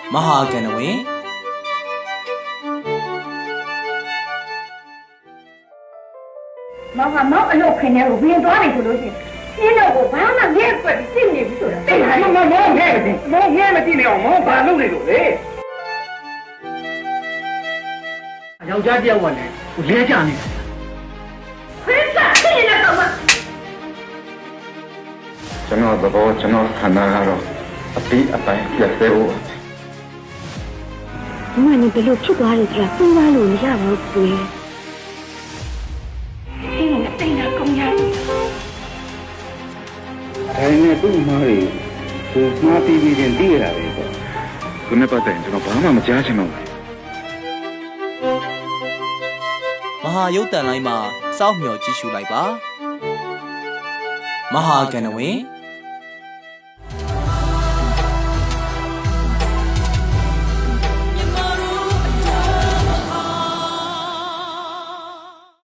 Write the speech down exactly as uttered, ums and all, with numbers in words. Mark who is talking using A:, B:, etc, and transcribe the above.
A: မဟာကဏ္ဍဝင်
B: မောင်ကမောင်အလုပ်ခင်ထဲကိုဝင်သွားတယ်ဆိုလို့ရှိရင်ရှင်းတော့ကိုဘာမှငဲ့ပွက်ပြီးသိနေပြီဆိုတာသိလားမောင်မောင်ငဲ့မသိမောင်ငဲ့မသိနေအောင်မောင်ဘာလုပ်နေလို့လဲယောက်ျားတယောက်ကလည်းလဲကြနေတယ်ခွေးစားသိနေတော့မှ
C: ကျွန်တော်သဘောကျွန်တော်ခန္ဓာကတော့အပြီးအပိုင်းပြည့်စုံဖို့
D: ဒီမှာနေဘယ်လိုဖြစ်သွားလဲဆိုတာသိသားလို့မရပါဘူးကိုယ်
B: ဒီလိုနဲ့တိတ်တာကောင်းရတယ်
C: ဒါနဲ့သူ့မားတွေသူမှားပြီးပြီးချင်းသိရတာပဲပေါ့သူနဲ့ပတ်သက်ရင်ကျွန်တော်ဘာမှမကြားချင်တော့ဘူး
A: မဟာရုပ်တန်လိုင်းမှာစောင့်မျှော်ကြည့်ရှုလိုက်ပါမဟာကဏ္ဍဝင်